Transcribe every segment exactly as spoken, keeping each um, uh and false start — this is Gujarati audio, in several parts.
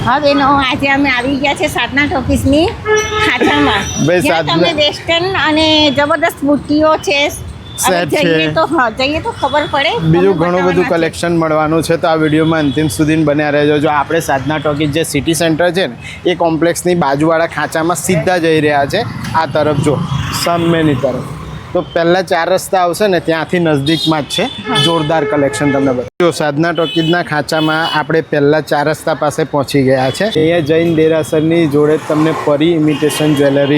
હા બેનો, આજે અમે આવી ગયા છે સાધના ટોકીસની ખાંચામાં. જ્યાં તમને વેસ્ટર્ન અને જબરદસ્ત બુટ્ટીઓ છે. સેટ છે. જઈએ તો હા જઈએ તો ખબર પડે. બીજું ઘણું બધું કલેક્શન મળવાનું છે, તો આ વિડીયોમાં અંતિમ સુધી બન્યા રહેજો. જો આપણે સાધના ટોકીઝ જે સિટી સેન્ટર છે ને એ કોમ્પ્લેક્સની બાજુવાળા ખાંચામાં સીધા જઈ રહ્યા છે. આ તરફ જો સામેની તરફ તો પહેલા ચાર રસ્તા આવશે ને ત્યાંથી નજદીકમાં જ છે. જોરદાર કલેક્શન તમને બતાવો. સાધના ટોકીઝના ખાંચામાં આપણે પહેલા ચાર રસ્તા પાસે પહોંચી ગયા છે. અહીંયા જૈન દેરાસરની જોડે તમને પરી ઇમિટેશન જ્વેલરી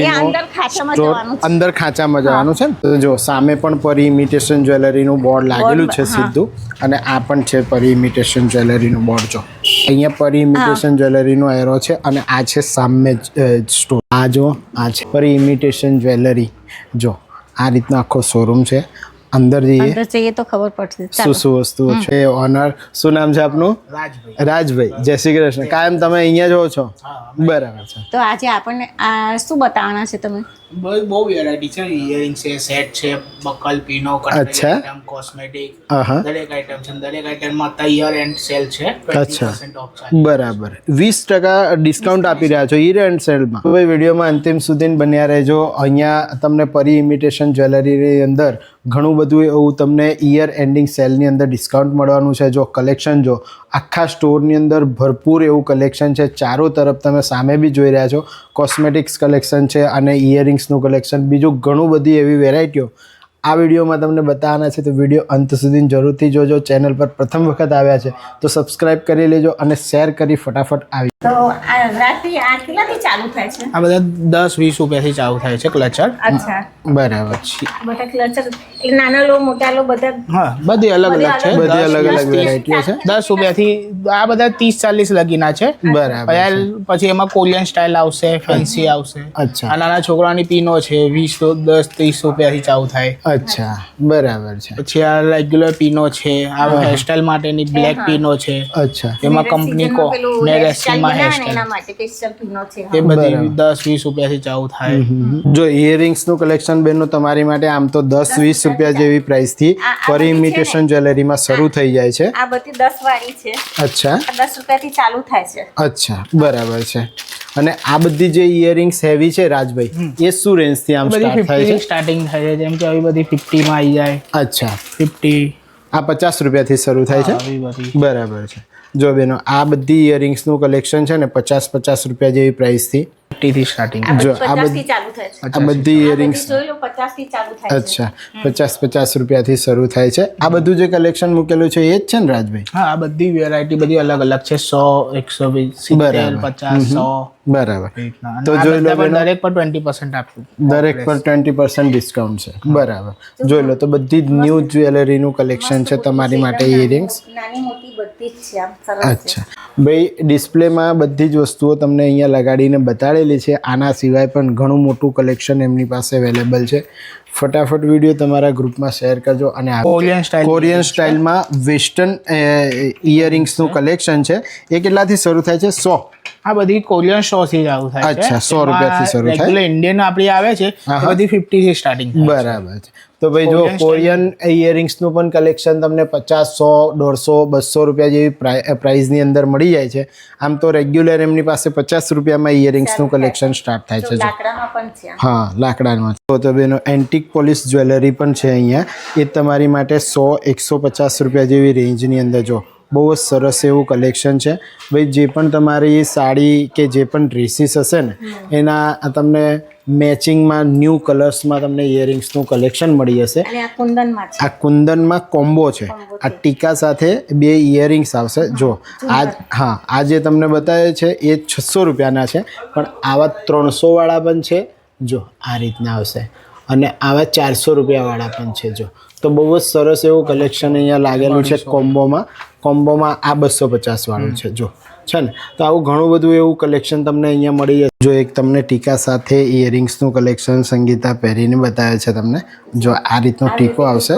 અંદર ખાંચામાં જવાનું છે. તો જો સામે પણ પરી ઇમિટેશન જ્વેલરીનું બોર્ડ લાગેલું છે સીધું, અને આ પણ છે પરી ઇમિટેશન જ્વેલરીનું બોર્ડ. જો અહીંયા પરી ઇમિટેશન જ્વેલરીનો એરો છે, અને આ છે સામે સ્ટોર. આ જો આ છે પરી ઇમિટેશન જ્વેલરી. જો આ રીતનો આખો શોરૂમ છે. અંદર જઈએ અંદર જઈએ તો ખબર પડશે શું શું વસ્તુઓ છે. ઓનર શું નામ છે આપનું? રાજભાઈ. રાજભાઈ, જય શ્રી કૃષ્ણ. કાયમ તમે અહીંયા જ હો છો? બરાબર છે. તો આજે આપણને આ શું બતાવવાના છે તમે? બહુ બહુ વેરાયટી છે. ઇયરિંગ છે, સેટ છે, બકલ, પીનો, અચ્છા. આઈટમ, કોસ્મેટિક, આહા. દરેક આઈટમ છે. દરેક આઈટમમાં યર એન્ડ સેલ છે. અચ્છા, બરાબર. વીસ ટકા ડિસ્કાઉન્ટ આપી રહ્યા છો યર એન્ડ સેલમાં. તો ભાઈ વિડીયોમાં અંતિમ સુધી બન્યા રહેજો. અહીંયા તમને પરી ઇમિટેશન જ્વેલરીની અંદર ઘણું બધું એવું તમને યર એન્ડિંગ સેલની અંદર ડિસ્કાઉન્ટ મળવાનું છે. જો કલેક્શન જો આખા સ્ટોરની અંદર ભરપૂર એવું કલેક્શન છે. ચારો તરફ તમે સામે બી જોઈ રહ્યા છો કોસ્મેટિક્સ કલેક્શન છે અને ઇયરિંગ્સનું કલેક્શન. બીજું ઘણું બધી એવી વેરાયટીઓ આ વિડીયોમાં તમને બતાવવાના છે. તો વિડીયો અંત સુધી જરૂરથી જોજો. ચેનલ પર પ્રથમ વખત આવ્યા છે તો સબસ્ક્રાઈબ કરી લેજો અને શેર કરી ફટાફટ આવી. તો આ રાત્રિ આ કેટલાથી ચાલુ થાય છે? આ બધા દસ વીસ રૂપિયાથી ચાલુ થાય છે ક્લચર. અચ્છા, બરાબર છે. બધા ક્લચર એક નાના લો મોટા લો બધા. હા, બધી અલગ અલગ છે. બધી અલગ અલગ વેરાયટીઓ છે. દસ રૂપિયાથી આ બધા ત્રીસ ચાલીસ લગીના છે. બરાબર. પછી એમાં કોરિયન સ્ટાઇલ આવશે, ફેન્સી આવશે. અચ્છા. આ નાના છોકરાની પીનો છે, વીસ તો દસ ત્રીસ રૂપિયાથી ચાલુ થાય. અચ્છા, બરાબર છે. પછી આ રેગ્યુલર પીનો છે, આ હેરસ્ટાઇલ માટેની બ્લેક પીનો છે. અચ્છા, એમાં કંપની કો ને રેસ્ટિંગમાં હેરસ્ટાઇલ એના માટે સ્પેશિયલ પીનો છે. એ બધી દસ વીસ રૂપિયાથી ચાલુ થાય. જો ઇયરિંગ્સનું કલેક્શન બેનો તમારી માટે આમ તો દસ વીસ રૂપિયા જેવી પ્રાઇસથી પરી ઇમિટેશન જ્વેલરીમાં શરૂ થઈ જાય છે. આ બધી દસ વાળી છે. અચ્છા, આ દસ રૂપિયાથી ચાલુ થાય છે. અચ્છા, બરાબર છે. અને આ બધી જે ઇયરિંગ્સ હેવી છે રાજભાઈ, એ શું રેન્જથી આમ સ્ટાર્ટ થાય છે? સ્ટાર્ટિંગ થાય છે. જેમ કે આવી બધી ફિફ્ટીમાં આવી જાય. અચ્છા, ફિફ્ટી. આ પચાસ રૂપિયાથી શરૂ થાય છે. આવી બધી બરાબર છે. જો બેનો આ બધી ઇયરિંગ્સનું કલેક્શન છે ને પચાસ પચાસ રૂપિયા જેવી પ્રાઇસથી ફિફ્ટીથી સ્ટાર્ટિંગ. જો આ પચાસ બધી થી ચાલુ થાય છે. આ બધી ઇયરિંગ્સ જોઈ લો પચાસ થી ચાલુ થાય છે. અચ્છા, પચાસ પચાસ રૂપિયાથી શરૂ થાય છે. આ બધું જે કલેક્શન મૂકેલું છે એ જ છે ને રાજભાઈ? હા, આ બધી વેરાયટી બધી અલગ અલગ છે. સો એકસો વીસ સિત્તેર પચાસ સો. બરાબર. તો તો જોઈ લો દરેક પર ટ્વેન્ટી પર્સન્ટ આપવું. દરેક પર ટ્વેન્ટી પર્સન્ટ ડિસ્કાઉન્ટ છે. બરાબર. જોઈ લો તો બધી જ ન્યૂ જ્વેલરીનું કલેક્શન છે તમારી માટે. ઇયરિંગ્સ નાની મોટી બધી જ છે. આમ સરસ છે. અચ્છા ભાઈ, ડિસ્પ્લેમાં બધી જ વસ્તુઓ તમને અહીંયા લગાડીને બતાડેલી છે. આના સિવાય પણ ઘણું મોટું કલેક્શન એમની પાસે અવેલેબલ છે. ફટાફટ વિડીયો તમારા ગ્રુપમાં શેર કરજો. અને કોરિયન સ્ટાઇલ કોરિયન સ્ટાઇલમાં વેસ્ટર્ન ઇયરિંગ્સનું કલેક્શન છે. એ કેટલાથી શરૂ થાય છે? સો. આ બધી કોરિયન સો થી ચાલુ થાય છે. અચ્છા, સો રૂપિયાથી શરૂ થાય. રેગ્યુલર ઇન્ડિયન આપણી આવે છે એ બધી ફિફ્ટી થી સ્ટાર્ટિંગ. બરાબર છે. તો ભાઈ જો કોરિયન ઇયરિંગ્સનું પણ કલેક્શન તમને પચાસ સો દોઢસો બસો રૂપિયા જેવી પ્રાઇઝની અંદર મળી જાય છે. આમ તો રેગ્યુલર એમની પાસે પચાસ રૂપિયામાં ઇયરિંગ્સનું કલેક્શન સ્ટાર્ટ થાય છે. લાકડામાં પણ છે. હા, લાકડામાં. તો તો બેનો એન્ટિક પોલિશ જ્વેલરી પણ છે અહીંયા. એ તમારી માટે સો એકસો પચાસ રૂપિયા જેવી રેન્જની અંદર જો બહુ જ સરસ એવું કલેક્શન છે. ભાઈ જે પણ તમારી સાડી કે જે પણ ડ્રેસીસ હશે ને એના તમને મેચિંગમાં ન્યૂ કલર્સમાં તમને ઇયરિંગ્સનું કલેક્શન મળી જશે. અને આ કુંદનમાં છે. આ કુંદનમાં કોમ્બો છે. આ ટીકા સાથે બે ઇયરિંગ્સ આવશે. જો આ હા, આ જે તમને બતાવે છે એ છસો રૂપિયાના છે, પણ આવા ત્રણસો વાળા પણ છે. જો આ રીતના આવશે, અને આવા ચારસો રૂપિયાવાળા પણ છે. જો તો બહુ જ સરસ એવું કલેક્શન અહીંયા લાગેલું છે કોમ્બોમાં. કોમ્બોમાં આ બસો પચાસ વાળું છે. જો છે ને, તો આવું ઘણું બધું એવું કલેક્શન તમને અહીંયા મળી જશે. જો એક તમને ટીકા સાથે ઇયરિંગ્સનું કલેક્શન સંગીતા પહેરીને બતાવે છે તમને. જો આ રીતનો ટીકો આવશે.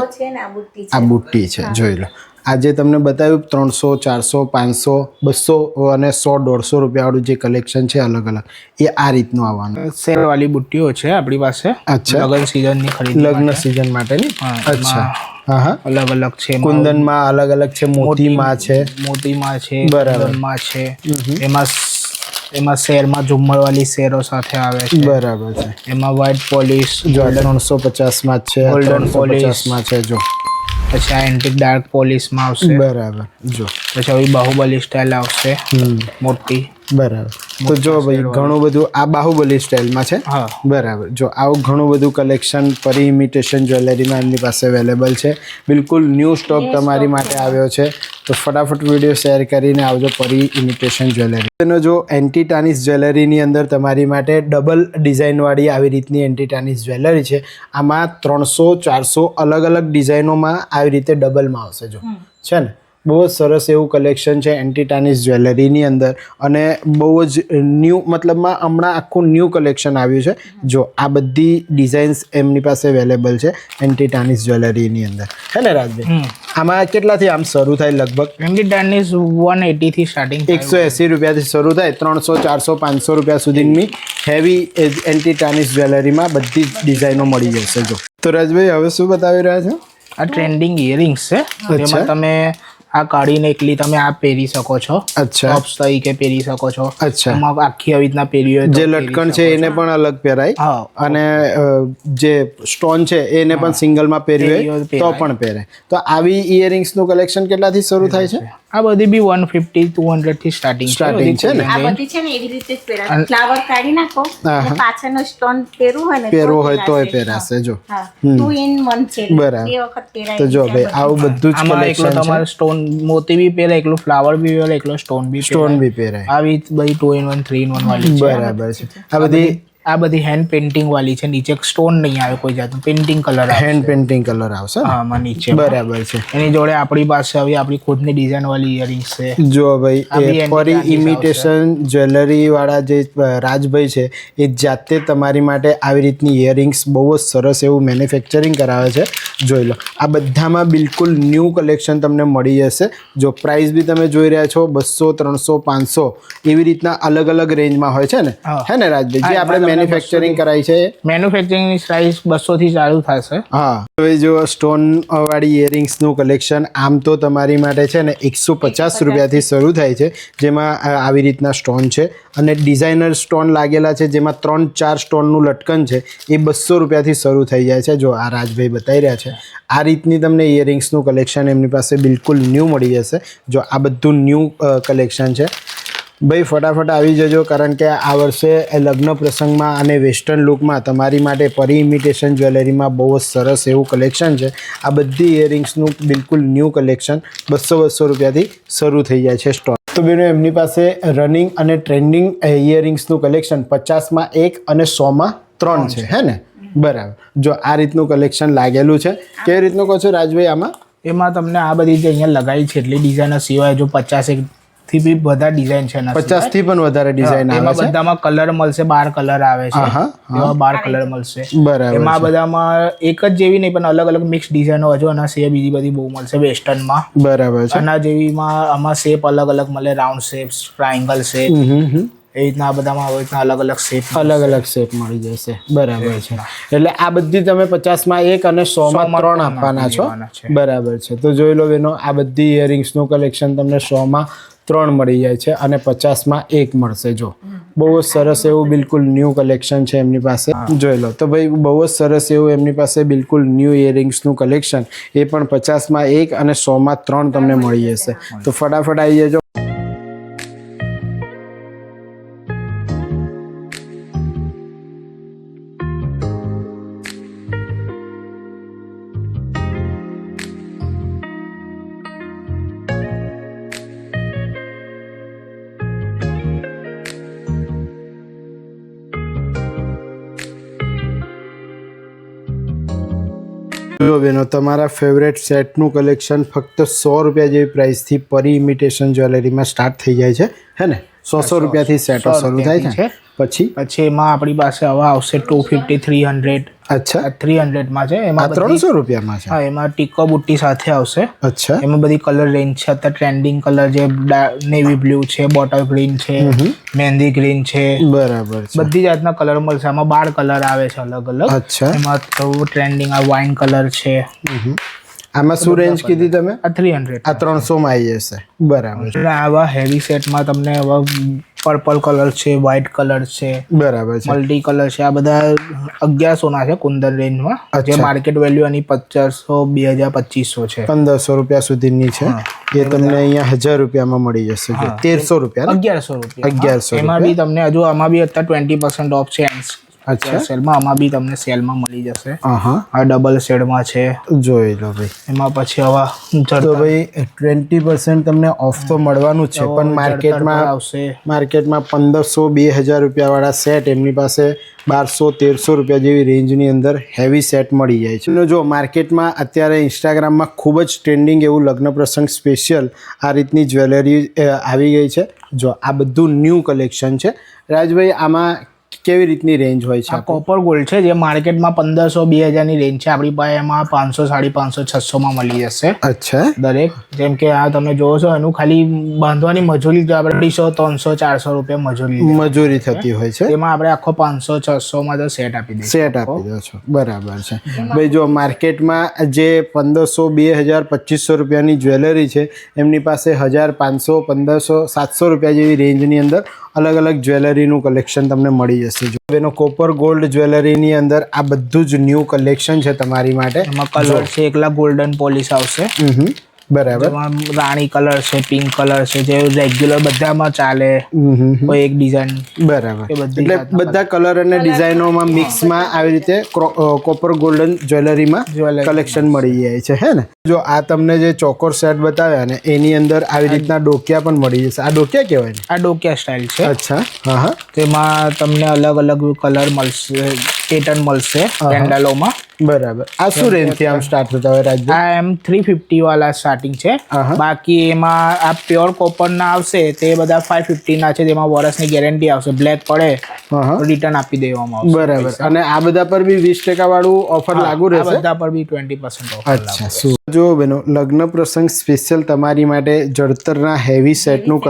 આ બુટ્ટી છે. જોઈ લો આજે તમને બતાવ્યું ત્રણસો ચારસો પાંચસો બસો અને સો દોઢસો રૂપિયાવાળું જે કલેક્શન છે અલગ અલગ, એ આ રીતનું આવવાનું. સેલ વાળી બુટ્ટીઓ છે આપણી પાસે. અચ્છા, લગ્ન સિઝનની ખરીદી. લગ્ન સિઝન માટેની. અચ્છા, હા હા, અલગ અલગ છે. કુંદનમાં અલગ અલગ છે, મોતીમાં છે, મોતીમાં છે, બરાબર માં છે. એમાં એમાં શેરમાં ઝુમ્મર વાળી શેરો સાથે આવે છે. બરાબર છે. એમાં વ્હાઇટ પોલિશ જો ત્રણસો પચાસ માં જ છે, Golden polish. પચાસ માં છે. જો પછી આ એન્ટિક ડાર્ક પોલિશમાં આવશે. બરાબર. જો પછી આવી બાહુબલી સ્ટાઇલ આવશે હમ મોટી. બરાબર. તો જો ભાઈ ઘણું બધું આ બાહુબલી સ્ટાઇલમાં છે. હા બરાબર. જો આવું ઘણું બધું કલેક્શન પરી ઇમિટેશન જ્વેલરીમાં એમની પાસે અવેલેબલ છે. બિલકુલ ન્યૂ સ્ટોક તમારી માટે આવ્યો છે. તો ફટાફટ વિડીયો શેર કરીને આવજો પરી ઇમિટેશન જ્વેલરી. એનો જો એન્ટીટાનિસ જ્વેલરીની અંદર તમારી માટે ડબલ ડિઝાઇનવાળી આવી રીતની એન્ટીટાનિસ જ્વેલરી છે. આમાં ત્રણસો ચારસો અલગ અલગ ડિઝાઇનોમાં આવી રીતે ડબલમાં આવશે. જો છે ને બહુ જ સરસ એવું કલેક્શન છે એન્ટીટાનિસ જ્વેલરીની અંદર અને બહુ જ ન્યૂ મતલબમાં હમણાં આખું ન્યૂ કલેક્શન આવ્યું છે. જો આ બધી ડિઝાઇન્સ એમની પાસે અવેલેબલ છે એન્ટીટાનિસ જ્વેલરીની અંદર, હે ને રાજભાઈ? આમાં કેટલાથી આમ શરૂ થાય? લગભગ એન્ટીટાનિસ વન એટી થી સ્ટાર્ટિંગ એકસો એંસી રૂપિયાથી શરૂ થાય. ત્રણસો ચારસો પાંચસો રૂપિયા સુધીની હેવી એન્ટીટાનિસ જ્વેલરીમાં બધી જ ડિઝાઇનો મળી જશે. જો તો રાજભાઈ હવે શું બતાવી રહ્યા છો? આ ટ્રેન્ડિંગ ઇયરિંગ્સ છે. એમાં તમે આ કાઢીને એકલી તમે આ પહેરી શકો છો. અચ્છા. ટોપ્સ તરીકે પહેરી શકો છો. અચ્છા. એમાં આખી આવી રીતના પહેરી હોય જે લટકણ છે એને પણ અલગ પહેરાય. હા. અને અ, જે સ્ટોન છે એને પણ સિંગલમાં પહેર્યું હોય તો પણ પહેરાય. તો આવી ઇયરિંગ્સ નું કલેક્શન કેટલાથી શરૂ થાય છે? આ બધી બી વન ફિફ્ટી ટુ હંડ્રેડ થી સ્ટાર્ટિંગ Starting છે ને? આ બધી છે ને એવી રીતે જ પહેરાય. ફ્લાવર કાઢી નાખો અને પાછળનો સ્ટોન પહેરવું હોય ને પહેરવો હોય તોય પહેરાશે. જો હા ટુ ઇન વન છે. બરાબર. બે વખત પહેરાય. તો જો ભાઈ આવું બધું જ આમાં એકલો કલેક્શન છે. તમારે સ્ટોન મોતી બી પહેરે, એકલો ફ્લાવર બી પહેરે, એકલો સ્ટોન બી સ્ટોન બી પહેરાય. આવી બધી two in one three in one વાળી છે. બરાબર છે. આ બધી આ બધી હેન્ડ પેઇન્ટિંગ વાળી છે. નીચે સ્ટોન નહીં આવે કોઈ જાતનું, પેઇન્ટિંગ કલર આવે. હેન્ડ પેઇન્ટિંગ કલર આવશે. હા આમાં નીચે બરાબર છે. એની જોડે આપણી પાસે હવે આપણી ખુદની ડિઝાઇન વાળી ઇયરિંગ્સ છે. જો ભાઈ આ બી એ પરી antique ઇમિટેશન જ્વેલરી વાળા જે રાજભાઈ છે એ જાતે તમારી માટે આવી રીતની ઇયરિંગ્સ બહુ જ સરસ એવું મેન્યુફેક્ચરિંગ કરાવે છે. જોઈ લો આ બધામાં બિલકુલ ન્યૂ કલેક્શન તમને મળી જશે. જો પ્રાઇસ બી તમે જોઈ રહ્યા છો બસો ત્રણસો પાંચસો એવી રીતના અલગ અલગ રેન્જમાં હોય છે ને, હે ને રાજભાઈ? જે આપણે મેન્યુફેક્ચરિંગ કરાય છે મેન્યુફેક્ચરિંગની પ્રાઇસ બસો થી ચાલુ થશે. હા. હવે જો સ્ટોન વાળી ઇયરિંગ્સનું કલેક્શન આમ તો તમારી માટે છે ને એકસો પચાસ રૂપિયાથી શરૂ થાય છે. જેમાં આવી રીતના સ્ટોન છે અને ડિઝાઇનર સ્ટોન લાગેલા છે જેમાં ત્રણ ચાર સ્ટોનનું લટકન છે એ બસો રૂપિયાથી શરૂ થઈ જાય છે. જો આ રાજભાઈ બતાવી રહ્યા છે આ રીતની તમને ઇયરિંગ્સનું કલેક્શન એમની પાસે બિલકુલ ન્યૂ મળી જશે. જો આ બધું ન્યૂ કલેક્શન છે. ભાઈ ફટાફટ આવી જજો કારણ કે આ વર્ષે લગ્ન પ્રસંગમાં અને વેસ્ટર્ન લુકમાં તમારી માટે પરી ઇમિટેશન જ્વેલરીમાં બહુ જ સરસ એવું કલેક્શન છે. આ બધી ઇયરિંગ્સનું બિલકુલ ન્યૂ કલેક્શન બસો બસો રૂપિયાથી શરૂ થઈ જાય છે સ્ટોક. તો બેનો એમની પાસે રનિંગ અને ટ્રેન્ડિંગ ઇયરિંગ્સનું કલેક્શન પચાસમાં એક અને સોમાં ત્રણ છે, હે ને? બરાબર. જો આ રીતનું કલેક્શન લાગેલું છે. કેવી રીતનું કહો છો રાજભાઈ આમાં? એમાં તમને આ બધી જે અહીંયા લગાવી છે એટલી ડિઝાઇન સિવાય જો પચાસ એક થી બી બધા ડિઝાઇન છે. પચાસ થી પણ વધારે ડિઝાઇન આવે છે. બધામાં કલર મળશે, બાર કલર આવે છે. એમાં બાર કલર મળશે. બરાબર. એમાં બધામાં એક જ જેવી નહીં પણ અલગ અલગ મિક્સ ડિઝાઇનો હજુ આના સિવાય બીજી બધી બહુ મળશે વેસ્ટર્નમાં. બરાબર છે. આના જેવીમાં આમાં શેપ અલગ અલગ મળે, રાઉન્ડ શેપ, ટ્રાયંગલ શેપ, એ રીતના આ બધામાં આવી રીતના અલગ અલગ શેપ અલગ અલગ શેપ મળી જશે. બરાબર છે. એટલે આ બધી તમે પચાસમાં એક અને સોમાં ત્રણ આપવાના છો. બરાબર છે. તો જોઈ લો બેનો આ બધી ઇયરિંગ્સનું કલેક્શન તમને સોમાં ત્રણ મળી જાય છે અને પચાસમાં એક મળશે. જો બહુ જ સરસ એવું બિલકુલ ન્યૂ કલેક્શન છે એમની પાસે. જોઈ લો તો ભાઈ બહુ જ સરસ એવું એમની પાસે બિલકુલ ન્યૂ ઇયરિંગ્સનું કલેક્શન એ પણ પચાસમાં એક અને સોમાં ત્રણ તમને મળી જશે. તો ફટાફટ આવી જજો. જો બેનો તમારા ફેવરેટ સેટનું કલેક્શન ફક્ત સો રૂપિયા જેવી પ્રાઇસથી પરી ઇમિટેશન જ્વેલરીમાં સ્ટાર્ટ થઈ જાય છે, હે ને? સો સો રૂપિયાથી સેટો શરૂ થાય છે. પછી પછી એમાં આપણી પાસે હવે આવશે ટુ ફિફ્ટી થ્રી હંડ્રેડ. અચ્છા. થ્રી હંડ્રેડમાં છે. એમાં ત્રણસો રૂપિયામાં છે. હા એમાં ટીકો બુટ્ટી સાથે આવશે. અચ્છા. એમાં બધી કલર રેન્જ છે. અત્યારે ટ્રેન્ડિંગ કલર જે નેવી બ્લુ છે, બોટલ ગ્રીન છે, મહેંદી ગ્રીન છે. બરાબર છે. બધી જાતના કલર મળશે. આમાં બાર કલર આવે છે અલગ અલગ. અચ્છા. એમાં થોડું ટ્રેન્ડિંગ આ વાઇન કલર છે. આમાં શું રેન્જ કીધી તમે? આ થ્રી હંડ્રેડ. આ ત્રણસો માં આવી જશે. બરાબર. આવા હેવી સેટમાં તમને હવે પર્પલ કલર છે, વ્હાઇટ કલર છે, બરાબર છે, મલ્ટી કલર છે. આ બધા અગિયારસો ના છે કુંદન રેન્જમાં, જે માર્કેટ વેલ્યુ એની પચાસસો બે હજાર પચીસો છે, પંદરસો રૂપિયા સુધીની છે. એ તમને અહીંયા હજાર રૂપિયામાં મળી જશે. તેરસો રૂપિયા અગિયારસો રૂપિયા અગિયારસો એમાં બી તમને હજુ આમાં બી અત્યારે ટ્વેન્ટી પર્સન્ટ ઓફ છે. અચ્છા, સેલમાં આમાં બી તમને સેલમાં મળી જશે. હા, આ ડબલ શેડમાં છે, જોઈ લો ભાઈ. એમાં પછી હવે તો ભાઈ ટ્વેન્ટી પર્સન્ટ તમને ઓફ તો મળવાનું જ છે, પણ માર્કેટમાં આવશે માર્કેટમાં પંદરસો બે હજાર રૂપિયા વાળા સેટ એમની પાસે બારસો તેરસો રૂપિયા જેવી રેન્જની અંદર હેવી સેટ મળી જાય છે. જો માર્કેટમાં અત્યારે ઇન્સ્ટાગ્રામમાં ખૂબ જ ટ્રેન્ડિંગ એવું લગ્ન પ્રસંગ સ્પેશિયલ આ રીતની જ્વેલરી આવી ગઈ છે. જો આ બધું ન્યૂ કલેક્શન છે. રાજભાઈ, આમાં કેવી રીતની રેન્જ હોય છે? આ કોપર ગોલ્ડ છે, જે માર્કેટમાં પંદરસો બે હજારની રેન્જ છે. આપણી પાસે એમાં પાંચસો સાડી પાંચસો છસો માં મળી જશે. અચ્છા, દરેક. જેમ કે આ તમે જોવો છો, એનું ખાલી બાંધવાની મજૂરી જ આપણે અઢીસો ત્રણસો ચારસો રૂપિયા મજૂરી મજૂરી થતી હોય છે. એમાં આપણે આખો પાંચસો છસો માં તો સેટ આપી દઈએ સેટ આપી દો છો. બરાબર છે ભાઈ. જો માર્કેટમાં જે પંદરસો બે હજાર પચીસો રૂપિયાની જ્વેલરી છે, એમની પાસે હજાર પાંચસો પંદરસો સાતસો રૂપિયા જેવી રેન્જની અંદર અલગ અલગ જ્વેલરીનું કલેક્શન તમને મળી જશે. જો એનો કોપર ગોલ્ડ જ્વેલરીની અંદર આ બધું જ ન્યૂ કલેક્શન છે તમારી માટે. એમાં કલર છે, એકલા ગોલ્ડન પોલિશ આવશે. હમ, બરાબર. રાણી કલર છે, પિંક કલર છે, જે રેગ્યુલર બધામાં ચાલે. કોઈ એક ડિઝાઇન, બરાબર. એટલે બધા કલર અને ડિઝાઇનોમાં મિક્સમાં આવી રીતે કોપર ગોલ્ડન જ્વેલરીમાં કલેક્શન મળી જાય છે, હે ને? જો આ તમને જે ચોકોર સેટ બતાવ્યા ને, એની અંદર આવી રીતના ડોકિયા પણ મળી જશે. આ ડોકિયા કહેવાય ને? આ ડોકિયા સ્ટાઇલ છે. અચ્છા, હા હા. તેમાં તમને અલગ અલગ કલર મળશે, પેટર્ન મળશે પેન્ડલોમાં. બરાબર. આ શું રેન્જ થી આમ સ્ટાર્ટ થતા હોય રાજભાઈ? આ એમ થ્રી ફિફ્ટી વાળા સ્ટાર્ટિંગ છે. બાકી એમાં આ પ્યોર કોપર ના આવશે, તે બધા ફાઈવ ફિફ્ટી ના છે, જેમાં વર્ષની ગેરંટી આવશે. બ્લેક પડે રિટર્ન આપી દેવામાં આવશે. બરાબર. અને આ બધા પર બી વીસ ટકા વાળું ઓફર લાગુ રહેશે? બધા પર બી ટ્વેન્ટી પર્સન્ટ ઓફર. અચ્છા. શું જો બેનો, લગ્ન પ્રસંગ સ્પેશિયલ તમારી માટે જડતરના હેવી સેટનું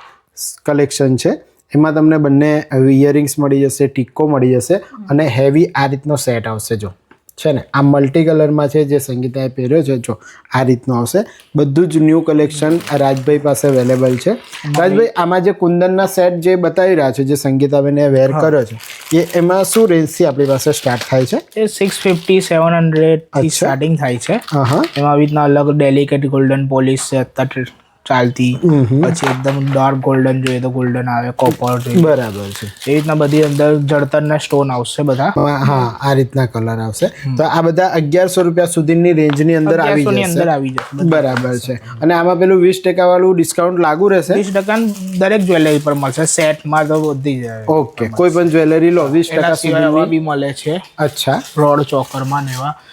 કલેક્શન છે. એમાં તમને બંને ઇયરિંગ્સ મળી જશે, ટીકો મળી જશે, અને હેવી આ રીતનો સેટ આવશે. જો છે ને, આ મલ્ટી કલરમાં છે, જે સંગીતાએ પહેર્યો છે. જો આ રીતનું આવશે. બધું જ ન્યૂ કલેક્શન રાજભાઈ પાસે અવેલેબલ છે. રાજભાઈ, આમાં જે કુંદનના સેટ જે બતાવી રહ્યા છે, જે સંગીતાબેને વેર કર્યો છે, એ એમાં શું રેન્જથી આપણી પાસે સ્ટાર્ટ થાય છે? એ સિક્સ ફિફ્ટી સેવન હંડ્રેડ થી સ્ટાર્ટિંગ થાય છે. હા. એમાં આવી રીતના અલગ ડેલિકેટ ગોલ્ડન પોલિશ છે અત્યારે ચાલતી. પછી એકદમ ડાર્ક ગોલ્ડન જોઈએ તો ગોલ્ડન આવે, કોપર જોઈએ. બરાબર છે. એ રીતના બધી અંદર જળતરના સ્ટોન આવશે બધા. હા, આ રીતના કલર આવશે. તો આ બધા અગિયારસો રૂપિયા સુધીની રેન્જની અંદર આવી જશે. અંદર આવી જશે. બરાબર છે. અને આમાં પેલું વીસ ટકા વાળું ડિસ્કાઉન્ટ લાગુ રહેશે? વીસ ટકા દરેક જ્વેલરી પર મળશે. સેટમાં તો બધી જાય. ઓકે. કોઈ પણ જ્વેલરી લો વીસ ટકા સુધી બી મળે છે. અચ્છા. રોડ ચોકરમાં ને એવા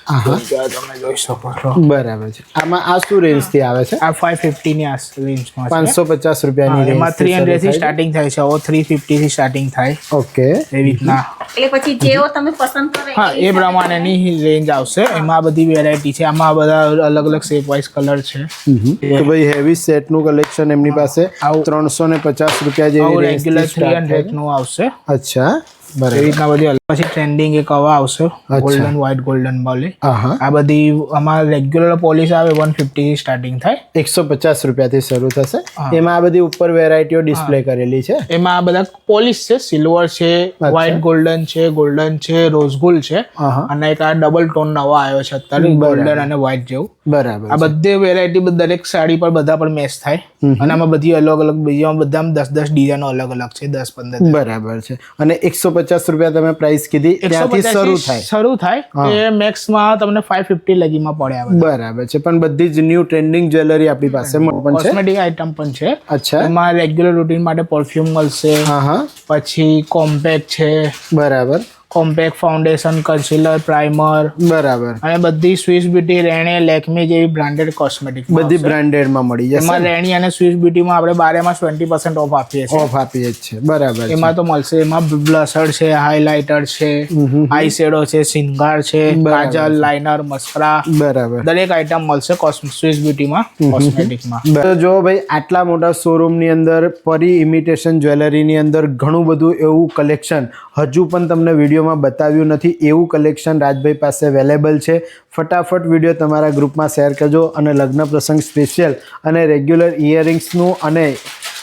તમે જોઈ શકો છો. બરાબર છે. આમાં આ શું રેન્જ થી આવે છે? આ ફાઈવ ફિફ્ટી ની રેન્જમાં પાંચસો પચાસ રૂપિયાની રેન્જ. એમાં થ્રી હંડ્રેડ થી સ્ટાર્ટિંગ થાય છે. હવે થ્રી ફિફ્ટી થી સ્ટાર્ટિંગ થાય. ઓકે. એવી રીતના. એટલે પછી જેવો તમે પસંદ કરો હા, એ પ્રમાણેની રેન્જ આવશે. એમાં બધી વેરાયટી છે. આમાં બધા અલગ અલગ શેપ વાઇઝ કલર છે. તો ભાઈ હેવી સેટ નું કલેક્શન એમની પાસે ત્રણસો ને પચાસ રૂપિયા જેવી રેગ્યુલર થ્રી હંડ્રેડ નું આવશે. અચ્છા. એ રીતના બધી પછી ટ્રેન્ડિંગ એક હવા આવશે, ગોલ્ડન વ્હાઇટ ગોલ્ડન બોલે. આ બધી આમાં રેગ્યુલર પોલિશ આવે વન ફિફ્ટી થી સ્ટાર્ટિંગ થાય. એકસો પચાસ રૂપિયાથી શરૂ થશે. એમાં આ બધી ઉપર વેરાયટીઓ ડિસ્પ્લે કરેલી છે. એમાં આ બધા પોલિશ છે, સિલ્વર છે, વ્હાઇટ ગોલ્ડન છે, ગોલ્ડન છે, રોઝ ગોલ્ડ છે, અને એક આ ડબલ ટોન નવો આવ્યો છે અત્યારે, ગોલ્ડન અને વ્હાઇટ જેવું. બરાબર. આ બધી વેરાયટી દરેક સાડી પર બધા પર મેચ થાય. અને આમાં બધી અલગ અલગ બીજા બધામાં દસ દસ ડિઝાઇનો અલગ અલગ છે, દસ પંદર. બરાબર છે. અને એકસો પચાસ રૂપિયા તમે પ્રાઇસ કીધી, ત્યાંથી શરૂ થાય શરૂ થાય એ મેક્સમાં તમને ફાઈવ ફિફ્ટી લગીમાં પડે. બરાબર છે. પણ બધી જ ન્યૂ ટ્રેન્ડિંગ જ્વેલરી આપણી પાસે પણ છે, કોસ્મેટિક આઇટમ પણ છે. અચ્છા. એમાં રેગ્યુલર રૂટીન માટે પરફ્યુમ મળશે. હા હા. પછી કોમ્પેક્ટ છે. બરાબર. Compact foundation, concealer, primer. બરાબર. અને બધી સ્વિસ બ્યુટી, રેણે, લેકમી જેવી બ્રાન્ડેડ કોસ્મેટિક બધી બ્રાન્ડેડમાં મળી જશે. એમાં રેણી અને સ્વિસ બ્યુટીમાં આપણે બારેમાં ટ્વેન્ટી પર્સન્ટ ઓફ આપીએ છીએ. ઓફ આપીએ છીએ. બરાબર. એમાં તો મળશે. એમાં બ્લશર છે, હાઇલાઇટર છે, આઈ શેડો છે, સિંગાર છે, કાજલ, લાઇનર, મસ્કરા. બરાબર. દરેક આઇટમ મળશે સ્વિસ બ્યુટીમાં, કોસ્મેટિકમાં. તો જો ભાઈ, આટલા મોટા શોરૂમની અંદર પરી ઇમિટેશન જ્વેલરીની અંદર ઘણું બધું એવું કલેક્શન હજુ પણ તમને વિડીયોમાં બતાવ્યું નથી. એવું કલેક્શન રાજભાઈ પાસે અવેલેબલ છે. ફટાફટ વિડીયો તમારા ગ્રુપમાં શેર કરજો. અને લગ્ન પ્રસંગ સ્પેશિયલ અને રેગ્યુલર ઇયરિંગ્સનું અને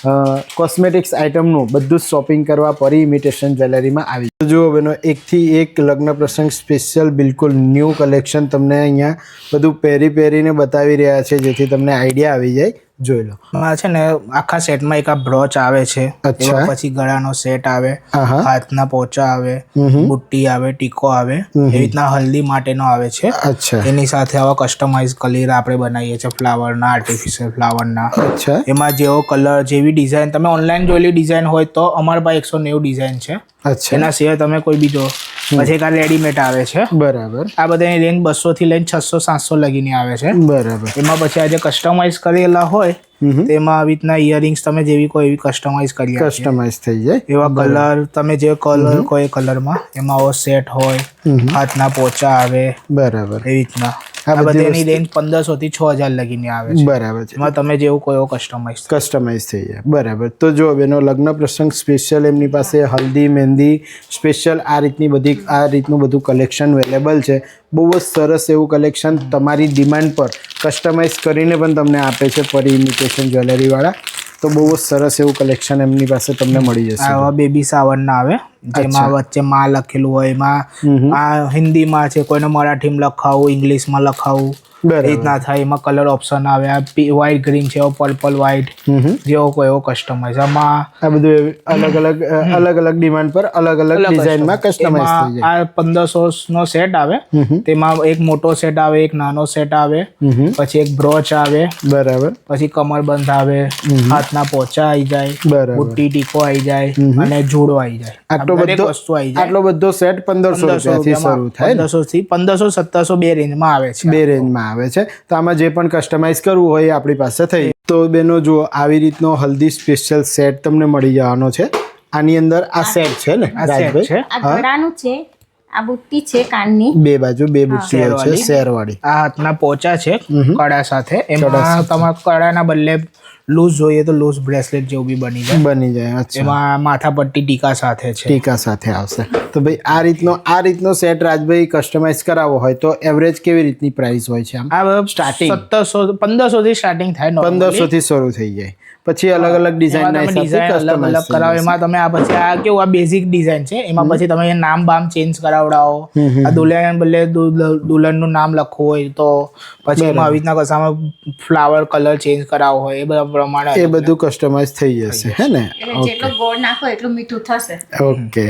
કોસ્મેટિક્સ આઇટમનું બધું જ શોપિંગ કરવા પરી ઇમિટેશન જ્વેલરીમાં આવી તો જુઓ બેનો એકથી એક લગ્ન પ્રસંગ સ્પેશિયલ બિલકુલ ન્યૂ કલેક્શન તમને અહીંયા બધું પહેરી પહેરીને બતાવી રહ્યા છે જેથી તમને આઈડિયા આવી જાય જોઈ લો આ છે ને આખા સેટમાં એક આ બ્રોચ આવે છે અચ્છા પછી ગળાનો સેટ આવે આહા. હાથના પોચા આવે બુટ્ટી આવે ટીકો આવે એવી રીતના હલ્દી માટેનો આવે છે અચ્છા એની સાથે આવા કસ્ટમાઇઝ કલર આપણે બનાવીએ છીએ ફ્લાવરના આર્ટિફિશિયલ ફ્લાવરના અચ્છા એમાં જેવો કલર જેવી ડિઝાઇન તમે ઓનલાઈન જોયેલી ડિઝાઇન હોય તો અમારા પાસે એકસો નેવું ડિઝાઇન છે અચ્છા એના સિવાય તમે કોઈ બીજો પછી એક આ રેડીમેડ આવે છે બરાબર આ બધાની રેન્જ બસો થી લઈને છસો સાતસો લગીની આવે છે બરાબર એમાં પછી આજે કસ્ટમાઇઝ કરેલા હોય તેમાં આવી રીતના ઇયરિંગ્સ તમે જેવી કોઈ એવી કસ્ટમાઇઝ કરી આપીએ. કસ્ટમાઇઝ થઈ જાય એવા કલર તમે જે કલર કોઈ કલરમાં એમાં આવો સેટ હોય હાથના પોચા આવે બરાબર એવી રીતના આ આ બધી બધાની રેન્જ પંદરસો થી છ હજાર લગીની આવે છે બરાબર છે એમાં તમે જેવું કોઈ એવો કસ્ટમાઇઝ કસ્ટમાઇઝ થઈ જાય બરાબર તો જો બેનો લગ્ન પ્રસંગ સ્પેશિયલ એમની પાસે હલ્દી મહેંદી સ્પેશિયલ આ રીતની બધી આ રીતનું બધું કલેક્શન અવેલેબલ છે બહુ જ સરસ એવું કલેક્શન તમારી ડિમાન્ડ પર કસ્ટમાઇઝ કરીને પણ તમને આપે છે પરી ઇમિટેશન જ્વેલરીવાળા તો બહુ જ સરસ એવું કલેક્શન એમની પાસે તમને મળી જશે આવા બેબી સાવરના આવે જેમાં વચ્ચે માં લખેલું હોય એમાં આ હિન્દીમાં છે કોઈને મરાઠીમાં લખાવું ઇંગ્લિશમાં લખાવું રીતના થાય એમાં કલર ઓપ્શન આવે આ વ્હાઈટ ગ્રીન છે પર્પલ વ્હાઈટ જેવો કોઈ એવો કસ્ટમાઇઝ આમાં આ બધું અલગ અલગ અલગ અલગ ડિમાન્ડ પર અલગ અલગ ડિઝાઇનમાં કસ્ટમાઇઝ થઈ જાય આ પંદરસો નો સેટ આવે તેમાં એક મોટો સેટ આવે એક નાનો સેટ આવે પછી એક બ્રોચ આવે બરાબર પછી કમરબંધ આવે હાથના પોચા આવી જાય બરાબર બુટ્ટી ટીકો આવી જાય અને જુડો આવી જાય આટલો બધો વસ્તુ આવી જાય આટલો બધો સેટ પંદરસો રૂપિયાથી શરૂ થાય પંદરસો થી પંદરસો સત્તરસો બે રેન્જમાં આવે છે બે રેન્જમાં આવે છે તો આમાં જે પણ કસ્ટમાઇઝ કરવું હોય એ આપણી પાસે થઈ તો બેનો જુઓ આવી રીતનો હલ્દી સ્પેશિયલ સેટ તમને મળી જવાનો છે આની અંદર આ સેટ છે ને આ સેટ છે આ ગળાનું છે આ બુટ્ટી છે કાનની બે બાજુ બે બુટ્ટીઓ છે શેરવાળી આ હાથના પોચા છે કડા સાથે એમાં તમારા કડાના બદલે લૂઝ જોઈએ તો લૂઝ બ્રેસલેટ જેવું બી બની જાય બની જાય અચ્છા એમાં માથાપટ્ટી ટીકા સાથે છે ટીકા સાથે આવશે તો ભાઈ આ રીતનો આ રીતનો સેટ રાજભાઈ કસ્ટમાઇઝ કરાવવો હોય તો એવરેજ કેવી રીતની પ્રાઇસ હોય છે આમ આ સ્ટાર્ટિંગ સત્તરસો પંદરસો થી સ્ટાર્ટિંગ થાય પંદરસો થી શરૂ થઈ જાય પછી અલગ અલગ ડિઝાઇન ના ડિઝાઇન અલગ અલગ કરાવો એમાં તમે આ પછી આ કેવું આ બેઝિક ડિઝાઇન છે એમાં પછી તમે નામ બામ ચેન્જ કરાવડાવો આ દુલ્હન બદલે દુલ્હન નું નામ લખવું હોય તો પછી એમાં આવી રીતના કસામાં ફ્લાવર કલર ચેન્જ કરાવવો હોય એ બધા પ્રમાણે એ બધું કસ્ટમાઇઝ થઈ જશે હે ને જેટલો ગોળ નાખો એટલું મીઠું થશે ઓકે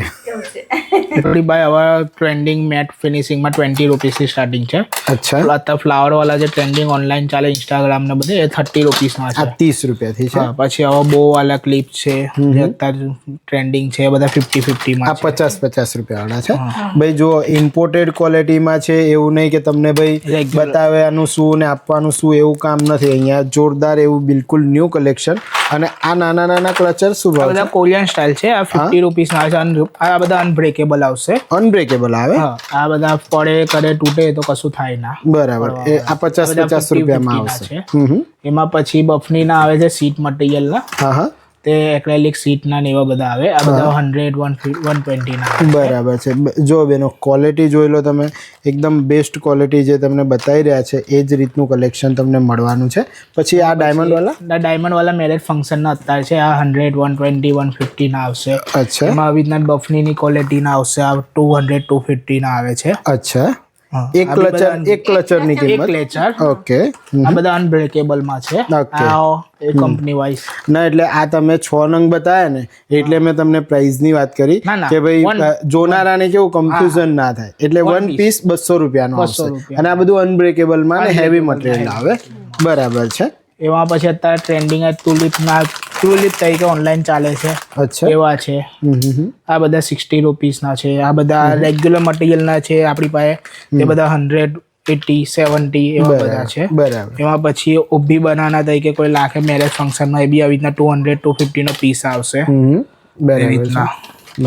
થોડી ભાઈ હવે ટ્રેન્ડિંગ મેટ ફિનિશિંગમાં ટ્વેન્ટી રૂપીસથી સ્ટાર્ટિંગ છે અચ્છા અત્યારે ફ્લાવર વાળા જે ટ્રેન્ડિંગ ઓનલાઈન ચાલે ઇન્સ્ટાગ્રામ ને બધે એ થર્ટી રૂપીસમાં છે આ ત્રીસ રૂપિયાથી છે પછી હવે બહુ વાળા ક્લિપ છે જે અત્યારે ટ્રેન્ડિંગ છે એ બધા ફિફ્ટી ફિફ્ટીમાં આ પચાસ પચાસ રૂપિયા વાળા છે ભાઈ જો ઇમ્પોર્ટેડ ક્વોલિટીમાં છે એવું નહીં કે તમને ભાઈ બતાવ્યાનું શું ને આપવાનું શું એવું કામ નથી અહીંયા જોરદાર એવું બિલકુલ ન્યૂ કલેક્શન અને આ નાના નાના ક્લચર શું ભાવ બધા કોરિયન સ્ટાઇલ છે આ ફિફ્ટી રૂપીસ ના છે આ બધા અનબ્રેકેબલ આવશે અનબ્રેકેબલ આવે આ બધા પડે કરે તૂટે તો કશું થાય ના બરાબર એ આ પચાસ પચાસ રૂપિયામાં આવશે એમાં પછી બફની ના આવે છે સીટ મટીરિયલ ના હા હા તે એક્રેલિક સીટ ના ને એવા બધા આવે આ બધા હંડ્રેડ વન વન ટ્વેન્ટી ના બરાબર છે જો બેનો ક્વોલિટી જોઈ લો તમે એકદમ બેસ્ટ ક્વોલિટી જે તમને બતાવી રહ્યા છે એ જ રીતનું કલેક્શન તમને મળવાનું છે પછી આ ડાયમંડ વાળા ડાયમંડ વાળા મેરેજ ફંક્શન ના અત્યારે છે આ hundred one twenty one fifty ના આવશે અચ્છા એમાં આવી રીતના બફની ની ક્વોલિટી ના આવશે આ ટુ હંડ્રેડ ટુ ફિફ્ટી ના આવે છે અચ્છા એક ક્લચર એક ક્લચર ની કિંમત ક્લેચર ઓકે આ બધા અનબ્રેકેબલ માં છે આ એ કંપની વાઇઝ ના એટલે આ તમે છ નંગ બતાવ્યા ને એટલે મેં તમને પ્રાઇસ ની વાત કરી કે ભાઈ જોનારાને કેવું કન્ફ્યુઝન ના થાય એટલે વન પીસ બસો રૂપિયાનો આવશે અને આ બધું અનબ્રેકેબલ માં ને હેવી મટીરિયલ આવે બરાબર છે એમાં પછી અત્યારે ટ્રેન્ડિંગ ટુલિપ ના ટુલિપ તરીકે ઓનલાઈન ચાલે છે અચ્છા એવા છે આ બધા સિક્સટી રૂપીસ ના છે આ બધા રેગ્યુલર મટીરિયલ ના છે આપણી પાસે તે બધા હંડ્રેડ એટી સેવન્ટી એવા બધા છે બરાબર એમાં પછી ઊભી બનાના તરીકે કોઈ લાખે મેરેજ ફંક્શનમાં એ બી આવી રીતના ટુ હંડ્રેડ ટુ ફિફ્ટી નો પીસ આવશે બરાબર બરાબર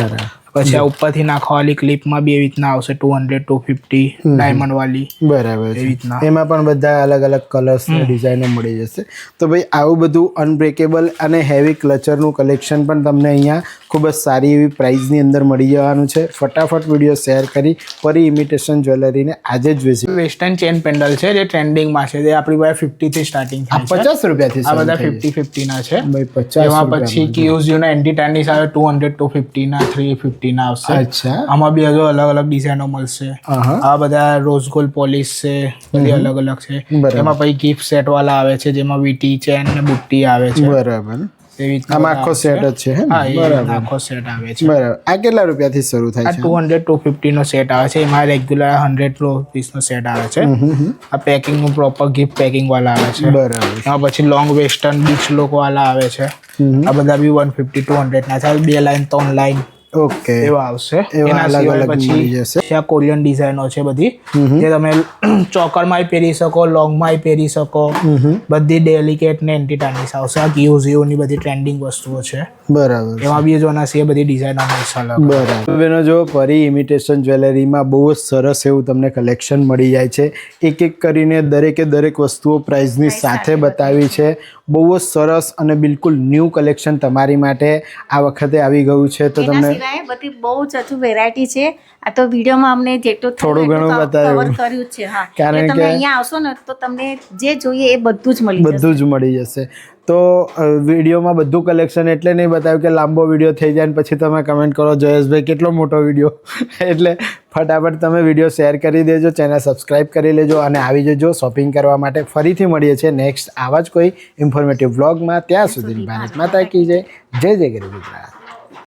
પછી આ ઉપરથી નાખવાવાળી ક્લિપમાં બી એવી રીતના આવશે two hundred two fifty diamond વાળી. બરાબર એવી રીતના એમાં પણ બધા અલગ અલગ કલર્સ ડિઝાઇનો મળી જશે. તો ભાઈ આવું બધું અનબ્રેકેબલ અને હેવી ક્લચરનું કલેક્શન પણ તમને અહીંયા ખૂબ જ સારી એવી પ્રાઇઝની અંદર મળી જવાનું છે. ફટાફટ વિડીયો શેર કરી ફરી ઇમિટેશન જ્વેલરીને આજે જ વિઝિટ. વેસ્ટર્ન ચેન પેન્ડલ છે જે ટ્રેન્ડિંગમાં છે, જે આપણી પાસે ફિફ્ટી થી સ્ટાર્ટિંગ થાય છે. પચાસ રૂપિયાથી આ બધા ફિફ્ટી ફિફ્ટી ના છે ભાઈ. પચાસ એમાં પછી કિયુઝ્યુ ના એન્ટી ટેનિસ આવે ટુ હંડ્રેડ ટુ ફિફ્ટી ના થ્રી ફિફ્ટી ના આવશે. અચ્છા. આમાં બી હજુ અલગ અલગ ડિઝાઇનો મળશે. આ બધા રોઝ ગોલ્ડ પોલિશ છે, બધી અલગ અલગ છે. એમાં પછી ગિફ્ટ સેટ વાળા આવે છે જેમાં વીટી ચેન ને બુટ્ટી આવે છે. બરાબર. એવી આમાં આખો સેટ જ છે. હા, બરાબર આખો સેટ આવે છે. બરાબર. આ કેટલા રૂપિયાથી શરૂ થાય આ છે? ટુ હંડ્રેડ ટુ ફિફ્ટી નો સેટ આવે છે. એમાં રેગ્યુલર હંડ્રેડ રૂપીસ નો સેટ આવે છે. આ પેકિંગ નું પ્રોપર ગિફ્ટ પેકિંગ વાળા આવે છે. બરાબર. એમાં પછી લોંગ વેસ્ટર્ન બીચ લોક વાળા આવે છે. આ બધા બી વન ફિફ્ટી ટુ હંડ્રેડ ના છે. બે લાઈન ત્રણ લાઈન ઓકે એવા આવશે. એના અલગ અલગ પછી મળી જશે. આ કોરિયન ડિઝાઇનો છે બધી, જે તમે ચોકરમાં પહેરી શકો, લોંગમાં પહેરી શકો. બધી ડેલિકેટ ને એન્ટી ટાનિસ આવશે. આ કિયુઝ્યુ ની બધી ટ્રેન્ડિંગ વસ્તુઓ છે. બરાબર. એમાં બી જોના છે બધી ડિઝાઇનો મળશે અલગ. બરાબર. બેનો જો ફરી ઇમિટેશન જ્વેલરીમાં બહુ જ સરસ એવું તમને કલેક્શન મળી જાય છે. એક એક કરીને દરેકે દરેક વસ્તુઓ પ્રાઇઝની સાથે બતાવી છે. બહુ જ સરસ અને બિલકુલ ન્યૂ કલેક્શન તમારી માટે આ વખતે આવી ગયું છે. તો તમને બધી બહુ જ હજુ વેરાયટી છે. આ તો વિડીયોમાં અમને જેટલું થોડું ઘણું બતાવ્યું કવર કર્યું છે. હા, કારણ તમે કે અહીંયા આવશો ને તો તમને જે જોઈએ એ બધું જ મળી જશે. બધું જ મળી જશે. તો વિડીયોમાં બધું કલેક્શન એટલે નહીં બતાવ્યું કે લાંબો વિડીયો થઈ જાય ને પછી તમે કમેન્ટ કરો જયેશભાઈ કેટલો મોટો વિડીયો. એટલે ફટાફટ તમે વિડીયો શેર કરી દેજો, ચેનલ સબસ્ક્રાઈબ કરી લેજો અને આવી જજો શોપિંગ કરવા માટે. ફરીથી મળીએ છીએ નેક્સ્ટ આવા જ કોઈ ઇન્ફોર્મેટિવ વ્લોગમાં. ત્યાં સુધી ભારત માતા કી જય. જય જય ગરીબ ગુજરાત.